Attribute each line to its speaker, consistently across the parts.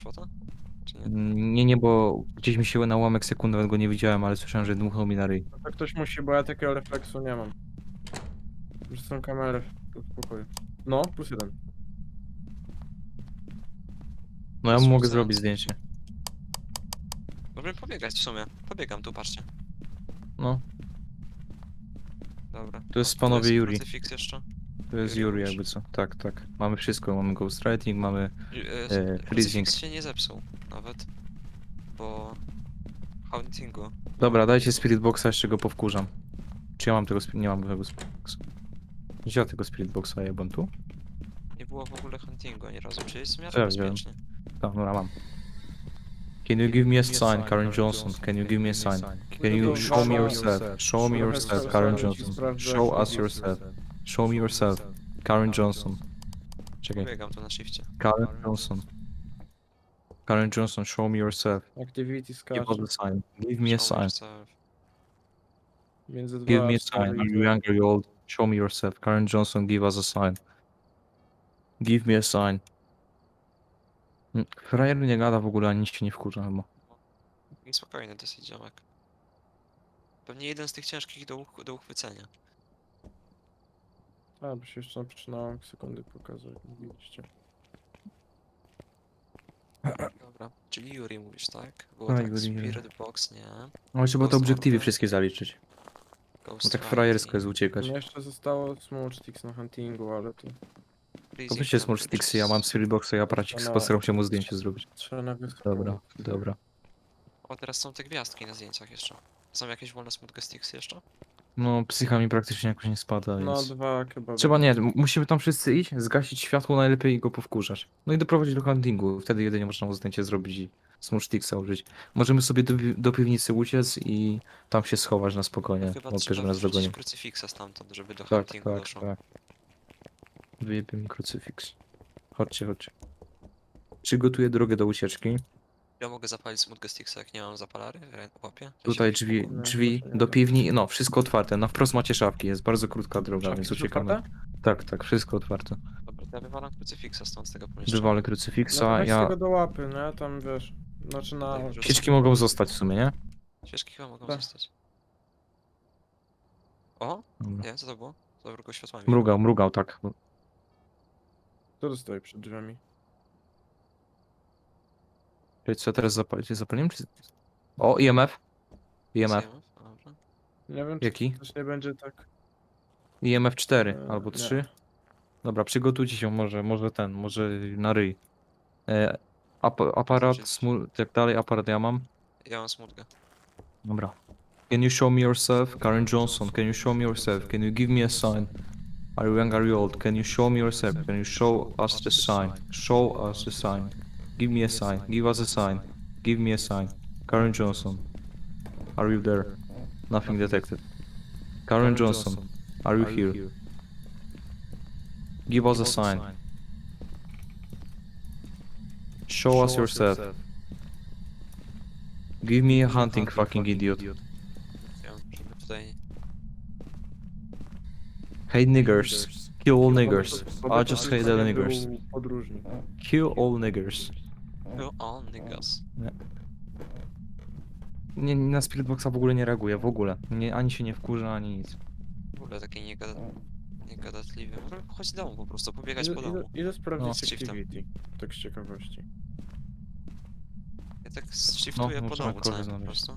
Speaker 1: Kwota? Czy nie?
Speaker 2: Nie, nie, bo gdzieś mi się na ułamek sekundy, nawet go nie widziałem, ale słyszałem, że dmuchnął mi na ryj.
Speaker 3: No to ktoś musi, bo ja takiego refleksu nie mam. Już są kamery w pokoju. No, +1.
Speaker 2: No ja
Speaker 1: Jest
Speaker 2: mu mogę
Speaker 1: rzucający.
Speaker 2: zrobić zdjęcie.
Speaker 1: Możemy pobiegać w sumie. Pobiegam tu, patrzcie.
Speaker 2: No,
Speaker 1: Dobra.
Speaker 2: to jest
Speaker 1: O,
Speaker 2: panowie
Speaker 1: tu jest
Speaker 2: Yuri.
Speaker 1: krucyfiks jeszcze.
Speaker 2: To jest
Speaker 1: Yuri
Speaker 2: Yuri
Speaker 1: mówisz?
Speaker 2: jakby co. Tak, tak. Mamy wszystko. Mamy ghostwriting, mamy freezing.
Speaker 1: Krucyfiks się nie zepsuł nawet. Po huntingu.
Speaker 2: Dobra, dajcie Spirit Boxa, jeszcze go powkurzam. Czy ja mam tego nie mam tego Spirit Boxa. Gdzie ja tego Spirit Boxa jebam tu?
Speaker 1: Nie było w ogóle huntingu ani razu, czyli jest w miarę
Speaker 2: Co ja wziąłem?
Speaker 1: bezpiecznie.
Speaker 2: Tak, dobra, mam. Can you give me a sign, Karen Johnson? Can you give me a sign? Can you show me yourself? Show me yourself, Karen Johnson. Show us yourself. Show me yourself, Karen Johnson. Czekaj.
Speaker 1: Pobiegam tu na shifcie.
Speaker 2: Karen Johnson. Karen Johnson, show me yourself.
Speaker 3: Activity
Speaker 2: Give
Speaker 3: skacze.
Speaker 2: us a sign. Give me a
Speaker 1: Show me
Speaker 2: sign.
Speaker 1: yourself.
Speaker 3: Między 2
Speaker 2: Give
Speaker 3: a
Speaker 2: me a
Speaker 3: 4
Speaker 2: sign. Are you young? Are you old? Show me yourself. Karen Johnson, give us a sign. Give me a sign. Frajer nie gada w ogóle, ani nic się nie wkurza chyba.
Speaker 1: I spokojny dosyć ziomek. Pewnie jeden z tych ciężkich do uchwycenia.
Speaker 3: A, bo się jeszcze zaczynałem sekundy pokazać, mówiliście.
Speaker 1: Dobra, czyli Yuri mówisz, tak? Było
Speaker 2: A,
Speaker 1: tak,
Speaker 2: Yuri,
Speaker 1: Spirit Box, nie.
Speaker 2: No trzeba te
Speaker 1: Ghost
Speaker 2: obiektywy
Speaker 1: Order,
Speaker 2: wszystkie zaliczyć. Bo
Speaker 1: Ghost
Speaker 2: tak
Speaker 1: Writing,
Speaker 2: frajersko jest uciekać.
Speaker 3: Mnie jeszcze zostało Small Sticks na huntingu, ale to
Speaker 2: To
Speaker 1: Freezing
Speaker 2: weźcie Small Sticksy, ja mam Spirit Boxa i aparacik,
Speaker 3: Trzeba-
Speaker 2: postaram się mu zdjęcie zrobić.
Speaker 3: trzeba na wysoką.
Speaker 2: Dobra, dobra.
Speaker 1: O, teraz są te gwiazdki na zdjęciach jeszcze. Są jakieś wolne smutne sticksy jeszcze?
Speaker 2: No, psycha mi praktycznie jakoś nie spada,
Speaker 3: No,
Speaker 2: więc...
Speaker 3: 2 chyba.
Speaker 2: Trzeba nie, musimy tam wszyscy iść, zgasić światło najlepiej i go powkurzać. No i doprowadzić do huntingu, wtedy jedynie można mu zdjęcie zrobić i Small Sticksa użyć. Możemy sobie do piwnicy uciec i tam się schować na spokojnie,
Speaker 1: Chyba
Speaker 2: bo
Speaker 1: trzeba
Speaker 2: żeby nas
Speaker 1: wrzucić
Speaker 2: dogonił.
Speaker 1: krucyfiksa stamtąd, żeby do
Speaker 2: Tak,
Speaker 1: huntingu
Speaker 2: tak,
Speaker 1: doszło.
Speaker 2: tak. Wyjebie mi krucyfiks. Chodźcie, chodźcie. Przygotuję drogę do ucieczki.
Speaker 1: Ja mogę zapalić smutne sticksa, jak nie mam zapalary w łapie? Ja się
Speaker 2: Tutaj
Speaker 1: jakiś
Speaker 2: drzwi,
Speaker 1: pokój-
Speaker 3: No,
Speaker 2: drzwi
Speaker 3: chyba się nie
Speaker 2: do
Speaker 3: da.
Speaker 2: piwni, no wszystko otwarte. Na wprost macie szafki, jest bardzo krótka droga,
Speaker 3: Szafki
Speaker 2: więc
Speaker 3: są
Speaker 2: uciekamy.
Speaker 3: otwarte?
Speaker 2: Tak, tak, wszystko otwarte.
Speaker 1: Dobra, to ja wywalam krucyfiksa stąd z tego pomieszczenia.
Speaker 2: Wywalę
Speaker 3: No to
Speaker 2: krucyfiksa,
Speaker 3: weź
Speaker 2: ja...
Speaker 3: tego do łapy, nie? Tam wiesz. Znaczy na...
Speaker 1: Tak, wrzucę.
Speaker 2: Świeczki mogą zostać w sumie, nie?
Speaker 1: Świeczki chyba mogą
Speaker 3: Tak.
Speaker 1: zostać. O!
Speaker 2: Dobra.
Speaker 1: Nie, co to było? To tylko światłami.
Speaker 2: Mrugał, mrugał, tak.
Speaker 3: Kto to stoi przed drzwiami?
Speaker 2: Czyli co teraz zapaliłem? Czy... O, IMF. IMF.
Speaker 1: Zjemy? Dobra.
Speaker 3: Nie wiem, czy
Speaker 2: Jaki?
Speaker 3: to też nie będzie tak...
Speaker 2: IMF 4 albo
Speaker 3: nie.
Speaker 2: 3. Dobra, przygotujcie się może na ryj. Aparat,
Speaker 1: Znaczy-
Speaker 2: tak dalej, aparat ja mam.
Speaker 1: Ja mam smutkę.
Speaker 2: Dobra. Can you show me yourself? Karen Johnson, can you show me yourself? Can you give me a sign? Are you young, are you old? Can you show me yourself? Can you show us the sign? Show us the sign. Give me a sign. Give us a sign. Give me a sign. Karen Johnson. Are you there? Nothing detected. Karen Johnson. Are you here? Give us a sign. Show us yourself. Give me a hunting, fucking idiot.
Speaker 1: Ja, żeby tutaj...
Speaker 2: Hate niggers. Kill all niggers.
Speaker 3: Bo
Speaker 2: I just hate all
Speaker 3: był
Speaker 2: niggers.
Speaker 3: podróżnik.
Speaker 2: Kill all niggers.
Speaker 1: Go on, niggas.
Speaker 2: Nie, na Spiritboxa w ogóle nie reaguje, w ogóle. Nie, ani się nie wkurza, ani nic.
Speaker 1: W ogóle taki niegadatliwy. Możemy pochodzić do domu po prostu, pobiegać po domu.
Speaker 3: Idę sprawdzić
Speaker 1: z shiftem.
Speaker 3: activity. Tak z ciekawości.
Speaker 1: Ja tak shiftuję po
Speaker 2: możemy
Speaker 1: domu
Speaker 2: kogoś
Speaker 1: całym po
Speaker 2: znaleźć.
Speaker 1: prostu.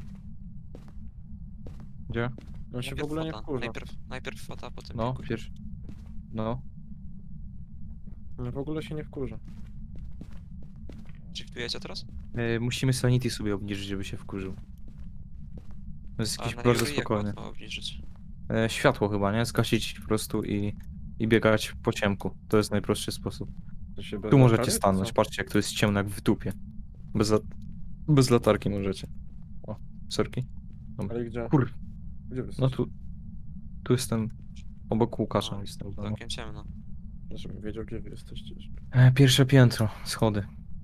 Speaker 2: Gdzie?
Speaker 3: On się w
Speaker 1: Najpierw
Speaker 3: ogóle nie
Speaker 1: fota.
Speaker 3: wkurza.
Speaker 1: Najpierw fota, potem
Speaker 2: No,
Speaker 1: pikuś.
Speaker 2: pierwszy. No.
Speaker 3: On w ogóle się nie wkurza.
Speaker 1: Shiftujecie teraz?
Speaker 2: Musimy sanity sobie obniżyć, żeby się wkurzył. To jest
Speaker 1: A
Speaker 2: jakiś
Speaker 1: na
Speaker 2: bardzo
Speaker 1: Yuri jak
Speaker 2: spokojny.
Speaker 1: łatwo obniżyć?
Speaker 2: Światło chyba, nie? Zgasić po prostu i biegać po ciemku. To jest najprostszy sposób.
Speaker 3: To się bez
Speaker 2: Tu możecie
Speaker 3: latarek,
Speaker 2: stanąć,
Speaker 3: co?
Speaker 2: patrzcie jak to jest ciemno jak w dupie. Bez latarki możecie. O, sorki.
Speaker 3: Ale gdzie?
Speaker 2: Kur...
Speaker 3: Gdzie wy
Speaker 2: No
Speaker 3: jesteście?
Speaker 2: tu jestem obok Łukasza.
Speaker 1: No,
Speaker 2: Jestem w domu.
Speaker 1: całkiem ciemno.
Speaker 3: Żebym wiedział, gdzie wy jesteście.
Speaker 2: Pierwsze piętro, schody.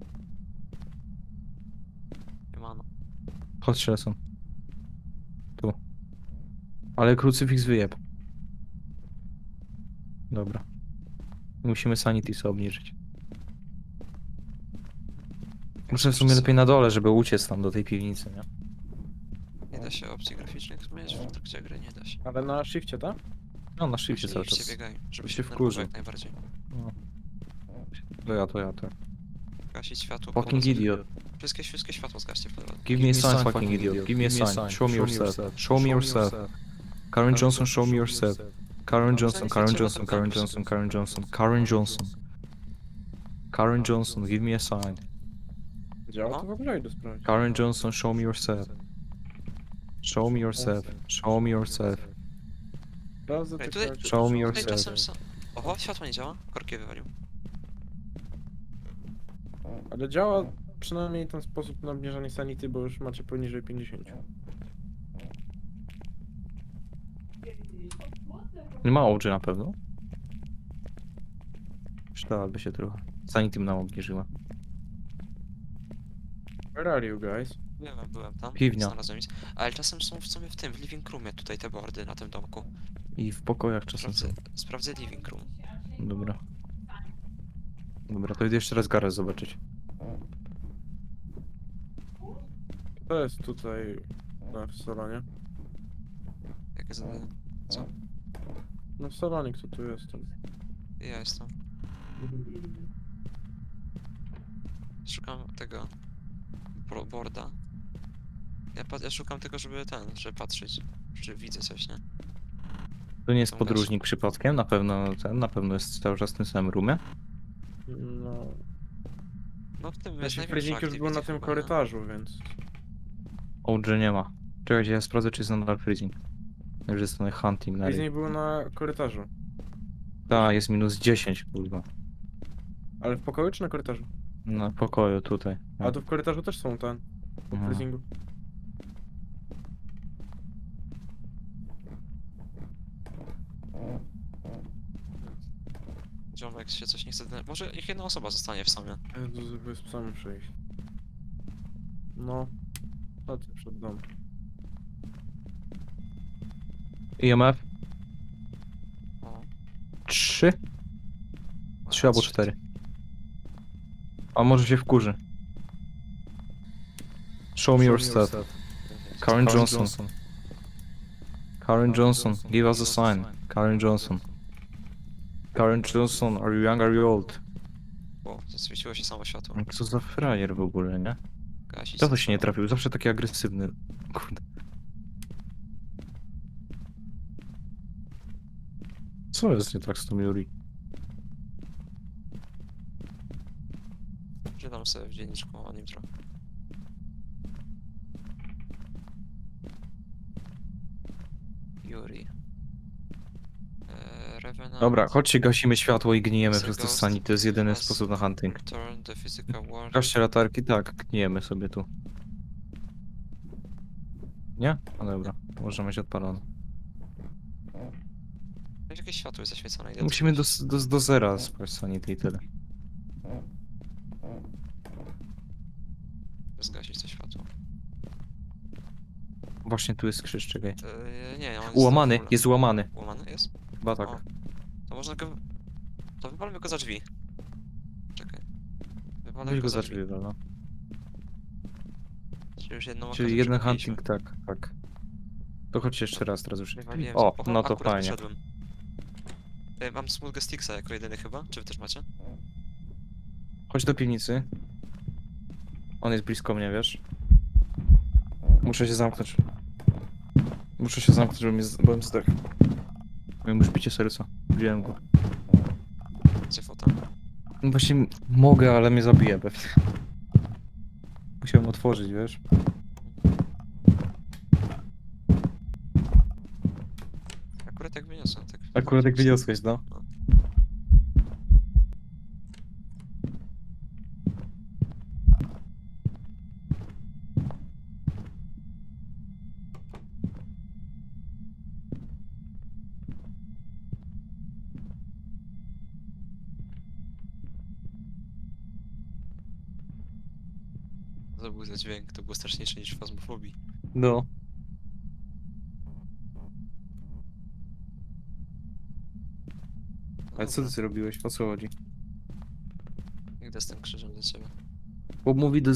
Speaker 1: Nie ma no.
Speaker 2: Chodź, są. Tu. Ale krucyfiks wyjeb. Dobra. Musimy sanity sobie obniżyć. Muszę w sumie lepiej na dole, żeby uciec tam do tej piwnicy, nie?
Speaker 1: Nie da się opcji graficznych zmieniać w trakcie gry, nie da się.
Speaker 3: Ale na shifcie, tak?
Speaker 2: No na shifcie
Speaker 1: Właśnie
Speaker 2: cały
Speaker 1: idźcie,
Speaker 2: czas.
Speaker 1: biegaj, żeby
Speaker 2: się
Speaker 1: się
Speaker 2: wkurzy.
Speaker 1: wkurzył jak najbardziej.
Speaker 2: No. To ja.
Speaker 1: Gasić światło.
Speaker 2: Fucking
Speaker 1: pomocy.
Speaker 2: idiot.
Speaker 1: Wszystkie światło zgaście w lewo.
Speaker 2: Give me a sign, fucking idiot. Give me a sign. Show me yourself. Show me yourself. Karen Johnson, show me yourself. Karen Johnson, Karen Johnson, Karen Johnson, Karen Johnson, Karen Johnson. Karen Johnson, give me a sign.
Speaker 3: Działa
Speaker 1: No.
Speaker 3: to w ogóle, idę sprawdzić.
Speaker 2: Karen Johnson, show me yourself. Show me yourself. Show me yourself.
Speaker 3: Sprawdzę
Speaker 1: Ej,
Speaker 3: tylko
Speaker 1: tutaj-
Speaker 3: jak-
Speaker 2: Show me
Speaker 1: Tutaj
Speaker 2: yourself.
Speaker 1: czasem są... Oho, światło nie działa? Korki wywalił.
Speaker 3: Ale działa przynajmniej ten sposób na obniżanie sanity, bo już macie poniżej 50.
Speaker 2: Nie ma OG na pewno. Przydałaby się trochę. Sanity nam obniżyła.
Speaker 3: Where are you guys?
Speaker 1: Byłem tam.
Speaker 2: Piwnia.
Speaker 1: Znalazłem nic. Ale czasem są w sumie w living roomie tutaj te boardy na tym domku.
Speaker 2: I w pokojach czasem są.
Speaker 1: Sprawdzę living room.
Speaker 2: Dobra. Dobra, to idę jeszcze raz garaż zobaczyć.
Speaker 3: To jest tutaj w salonie.
Speaker 1: Jakie zadanie?
Speaker 3: No w salonie, kto tu jest?
Speaker 1: Ja jestem. Szukam tego boarda. Ja szukam tego, żeby patrzeć, czy widzę coś, nie?
Speaker 2: To nie jest
Speaker 1: Są
Speaker 2: podróżnik przypadkiem? Na pewno jest cały czas w tym samym roomie.
Speaker 3: No...
Speaker 1: No w tym jest
Speaker 3: Znaczy
Speaker 1: największa
Speaker 3: Freezing już był na
Speaker 1: activity
Speaker 3: tym
Speaker 1: chyba,
Speaker 3: korytarzu, więc...
Speaker 2: OG nie ma. Czekajcie, ja sprawdzę, czy jest nadal freezing. Już jest ten hunting na
Speaker 3: Freezing był na korytarzu.
Speaker 2: Tak, jest minus 10, kurwa.
Speaker 3: Ale w pokoju czy na korytarzu?
Speaker 2: Na pokoju tutaj.
Speaker 3: A tu w korytarzu też są ten... Po
Speaker 2: Mhm.
Speaker 3: freezingu.
Speaker 1: Ziomek się coś nie chce... Może niech jedna osoba zostanie w sumie.
Speaker 3: Jezu, żeby z psami przejść. No. Chodź przed dom.
Speaker 2: IMF?
Speaker 1: O.
Speaker 2: 3? 3 albo 4. A może się wkurzy. Show me yourself. Karen Johnson. Karen Johnson, give us a sign. Karen Johnson. Karen Johnson, are you young, are you old?
Speaker 1: O, zaswieciło się samo światło.
Speaker 2: Co za frajer w ogóle, nie?
Speaker 1: Gasić
Speaker 2: To się nie
Speaker 1: światło.
Speaker 2: trafił, zawsze taki agresywny. Kurde. Co jest nie tak z tą Yuri?
Speaker 1: Czytam sobie w dzienniczku o nim trochę. Yuri. Revenant.
Speaker 2: Dobra, chodźcie, gasimy światło i gnijemy
Speaker 1: The
Speaker 2: przez te
Speaker 1: ghost
Speaker 2: sani. To jest jedyny
Speaker 1: has
Speaker 2: sposób na hunting.
Speaker 1: Return the physical world.
Speaker 2: Gaście latarki, tak, gnijemy sobie tu. Nie? No dobra, możemy mieć odpalone.
Speaker 1: Jakieś światło jest zaświecone. idę
Speaker 2: Musimy
Speaker 1: to
Speaker 2: do zera spać sanity i tyle.
Speaker 1: zgasić to światło.
Speaker 2: Właśnie tu jest krzyż, czekaj.
Speaker 1: Nie, on jest
Speaker 2: Ułamany,
Speaker 1: w ogóle.
Speaker 2: jest ułamany.
Speaker 1: Ułamany jest?
Speaker 2: Chyba tak.
Speaker 1: O. To można go... To wypalmy go za drzwi. Czekaj. Wypalmy
Speaker 2: Weź
Speaker 1: go
Speaker 2: go
Speaker 1: za
Speaker 2: za
Speaker 1: drzwi.
Speaker 2: drzwi, no.
Speaker 1: Czyli już jedną
Speaker 2: Czyli
Speaker 1: okazję
Speaker 2: jeden
Speaker 1: przegapiliśmy.
Speaker 2: hunting, tak, tak. To chodźcie jeszcze raz, teraz już.
Speaker 1: Wywaliłem
Speaker 2: O,
Speaker 1: oho,
Speaker 2: no to
Speaker 1: akurat
Speaker 2: fajnie.
Speaker 1: wyszedłem. Mam Smooth Sticksa jako jedyny chyba, czy wy też macie?
Speaker 2: Chodź do piwnicy. On jest blisko mnie, wiesz? Muszę się zamknąć. Muszę się zamknąć, byłem zdech. Miałem już bicie serca. Wziąłem go.
Speaker 1: Gdzie fota?
Speaker 2: No właśnie mogę, ale mnie zabije pewnie. Musiałem otworzyć, wiesz?
Speaker 1: Akurat jak wyniosłem, tak.
Speaker 2: Akurat jak wyniosłeś, no.
Speaker 1: To był za dźwięk, to było straszniejsze niż w fazmofobii.
Speaker 2: No.
Speaker 1: No
Speaker 2: Ale co
Speaker 1: dobra,
Speaker 2: ty zrobiłeś? O co chodzi?
Speaker 1: idę z tym krzyżem do ciebie.
Speaker 2: Bo mówi do